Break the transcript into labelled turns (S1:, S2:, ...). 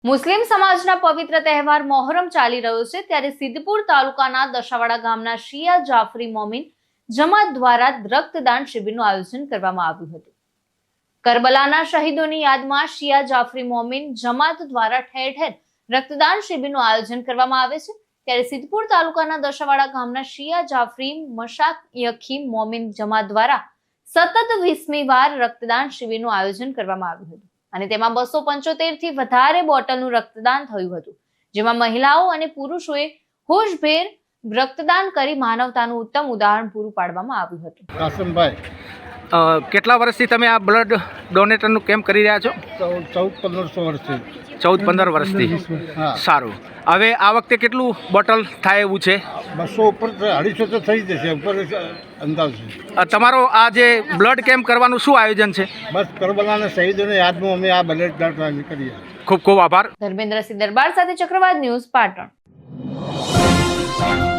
S1: મુસ્લિમ સમાજના પવિત્ર તહેવાર મોહરમ ચાલી રહ્યો છે ત્યારે સિદ્ધપુર તાલુકાના દશાવાડા ગામના શિયા જાફરી મોમીન જમાત દ્વારા રક્તદાન શિબિરનું આયોજન કરવામાં આવ્યું હતું। કરબલાના શહીદોની યાદમાં શિયા જાફરી મોમીન જમાત દ્વારા ઠેર ઠેર રક્તદાન શિબિરનું આયોજન કરવામાં આવે છે ત્યારે સિદ્ધપુર તાલુકાના દશાવાડા ગામના શિયા જાફરી મશાયખી મોમીન જમાત દ્વારા સતત 20મી વાર રક્તદાન શિબિરનું આયોજન કરવામાં આવ્યું હતું અને તેમાં 275 થી વધારે બોટલનું રક્તદાન થયું હતું, જેમાં મહિલાઓ અને પુરુષોએ હોશભેર રક્તદાન કરી માનવતાનું ઉત્તમ ઉદાહરણ પૂરું પાડવામાં આવ્યું હતું।
S2: કાસમભાઈ, કેટલા વર્ષથી તમે આ બ્લડ ડોનેટરનું કેમ્પ કરી રહ્યા છો?
S3: 14-15 વર્ષથી।
S2: 14-15 વર્ષથી।
S3: હા,
S2: સારું। હવે આ વખતે કેટલું બોટલ થાય એવું છે?
S3: 200 ઉપર 250 તો થઈ જશે ઉપર અંદાજ છે।
S2: તમારો આ જે બ્લડ કેમ્પ કરવાનું શું આયોજન છે?
S3: બસ કરબલાના શહીદોને યાદમાં અમે આ બ્લડ ડોનેટ કરીએ।
S2: ખૂબ ખૂબ આભાર।
S1: ધર્મેન્દ્રસિંહ દરબાર સાથે ચક્રવાત ન્યૂઝ, પાટણ।